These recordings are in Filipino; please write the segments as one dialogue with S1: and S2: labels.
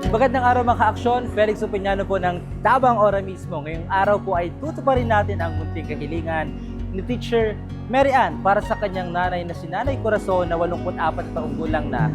S1: Magandang araw mga ka-aksyon, Felix Opiniano po ng Tabang Ora mismo. Ngayong araw po ay tutuparin natin ang munting kahilingan ni Teacher Mary Ann para sa kanyang nanay na si Nanay Corazon na 84 taong gulang na.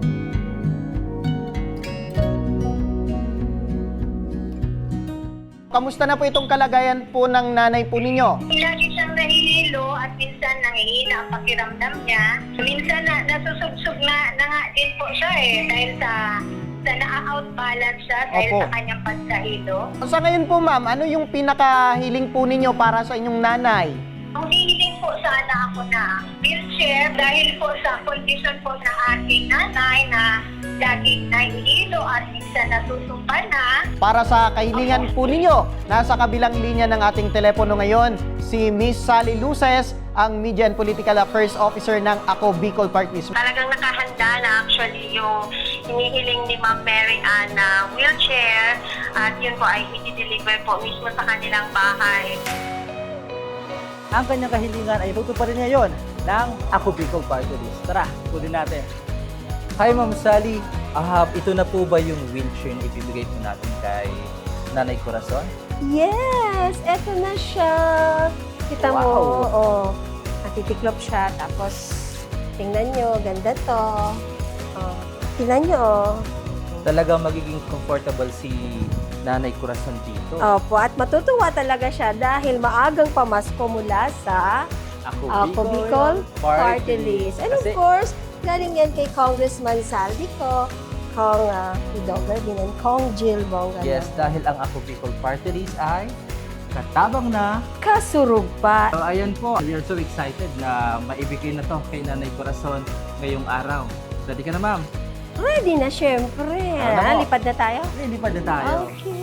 S2: Kamusta na po itong kalagayan po ng nanay po ninyo?
S3: Lagi siyang nahihilo at minsan nangihina ang pakiramdam niya. Minsan nasusubsog na nga din po siya dahil sa na-outbalance siya dahil
S2: Opo.
S3: sa kanyang pagkahilo.
S2: Sa ngayon po ma'am, ano yung pinakahiling po ninyo para sa inyong nanay?
S3: Ang hihiling po sana ako na wheelchair dahil po sa condition po ng aking nanay na laging nahihilo at minsan nasusumpa na.
S2: Para sa kahilingan po ninyo, nasa kabilang linya ng ating telepono ngayon, si Miss Sally Luces, ang Media and Political Affairs Officer ng Ako Bicol Park List.
S3: Talagang nakahanda na actually yung hinihiling ni Ma'am Mary Ann na wheelchair at yun po ay i-deliver po mismo sa kanilang bahay.
S1: Ang kanyang kahilingan ay tutuparin niya yon ng Ako Bicol Party List. Tara, kunin natin. Hi Ma'am Sally, ito na po ba yung wheelchair na ibibigay po natin kay Nanay Corazon?
S4: Yes! Eto na siya. Kita mo,
S1: Wow.
S4: natitiklop siya. Tapos, tingnan nyo, ganda to. Tingnan nyo,
S1: Talagang magiging comfortable si Nanay Corazon dito.
S4: Opo, at matutuwa talaga siya dahil maagang pamasko mula sa Ako Bicol Party List. And of
S1: Kasi-
S4: course, galing yan kay Congressman Saldi ko, Kong Idoga din, and Kong Jill Bongga.
S1: Yes, dahil ang Ako Bicol Party List ay katabang na.
S4: Kasurug pa.
S1: So, ayan po, we are so excited na maibigay na to kay Nanay Corazon ngayong araw. Ready ka na, ma'am?
S4: Ready na, syempre.
S1: Ano mo?
S4: Lipad na tayo?
S1: Ready pa na tayo.
S4: Okay.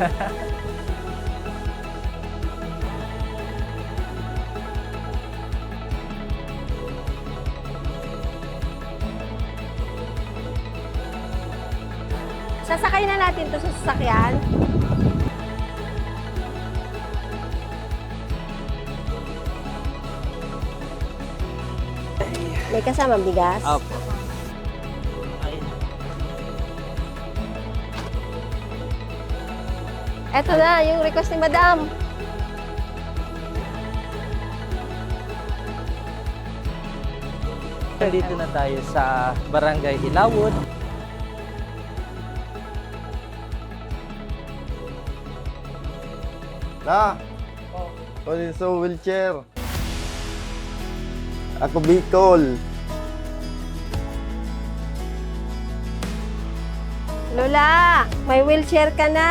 S4: Sasakay na natin to sa sasakyan. May kasamang bigas?
S1: Opo.
S4: Eto na, yung request ni Madam.
S1: Dito na tayo sa Barangay Ilawod.
S5: Na, ulit sa wheelchair. Ako Bicol.
S4: Lola, may wheelchair ka na.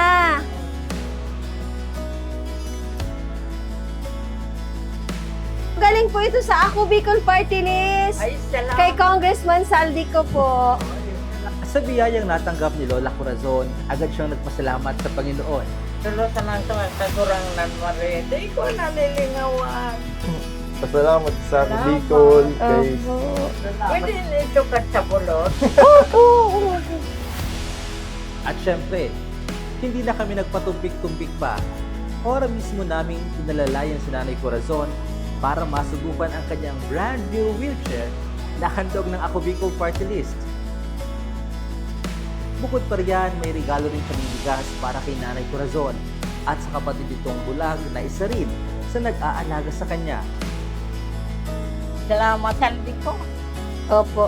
S4: Galing po ito sa Ako Bicol Party List.
S3: Ay, salamat.
S4: Kay Congressman Saldi ko po.
S1: Sa biyayang natanggap ni Lola Corazon, agad siyang nagpasalamat sa Panginoon.
S6: Tulo sa nang kurang nan mare, di ko nalilingawan.
S5: Pasalamat sa ako Bicol. Kay
S6: Pwede nito ka sa bulot.
S1: At syempre, hindi na kami nagpatumpik-tumpik pa. Ora mismo naming inalalayan si Nanay Corazon para masubukan ang kanyang brand new wheelchair na handog ng Ako Bicol Party List. Bukod pa riyan, may regalo rin kaming bigas para kay Nanay Corazon at sa kapatid nitong bulag na isa rin sa nag-aalaga sa kanya.
S6: Salamat saldi ko.
S4: Opo.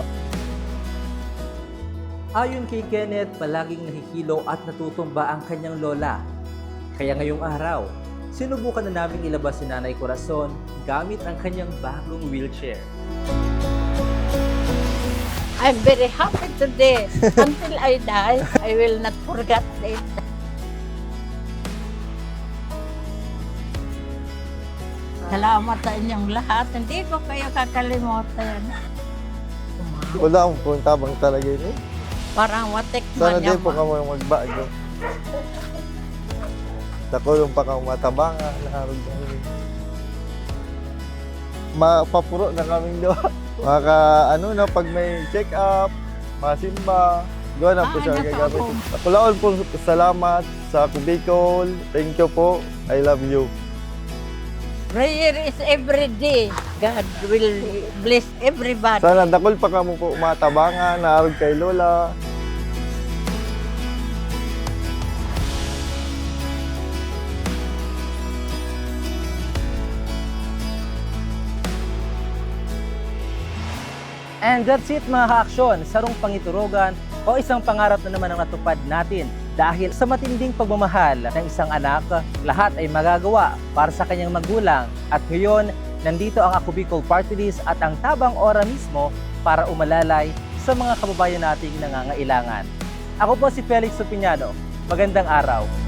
S1: Ayon kay Kenneth, palaging nahihilo at natutumba ang kanyang lola. Kaya ngayong araw, sinubukan na naming ilabas si Nanay Corazon gamit ang kanyang bagong wheelchair.
S6: I'm very happy today. Until I die, I will not forget it. Salamat sa inyong lahat. Hindi ko kayo kakalimutan.
S5: wala akong puntabang talaga yun eh.
S6: Parang watikman
S5: Sana
S6: niya
S5: din po kamo magbago. Nakulong pa kang matabanga. Naharog na yun. Mapapuro na kaming doon. Maka ano na pag may check up, masimba, gawa na po siya
S6: nasa
S5: gagamit.
S6: ako.
S5: Akulaon po salamat sa Ako Bicol. Thank you po. I love you.
S6: Prayer is every day. God will bless everybody.
S5: Sana dakol pa kamo po matabangan, naarog kay Lola.
S1: And that's it mga ka-aksyon, sarong pangiturugan o isang pangarap na naman ang natupad natin. Dahil sa matinding pagmamahal ng isang anak, lahat ay magagawa para sa kanyang magulang. At ngayon, nandito ang Ako Bicol Party List at ang Tabang Ora mismo para umalalay sa mga kababayan nating nangangailangan. Ako po si Felix Supiñano. Magandang araw.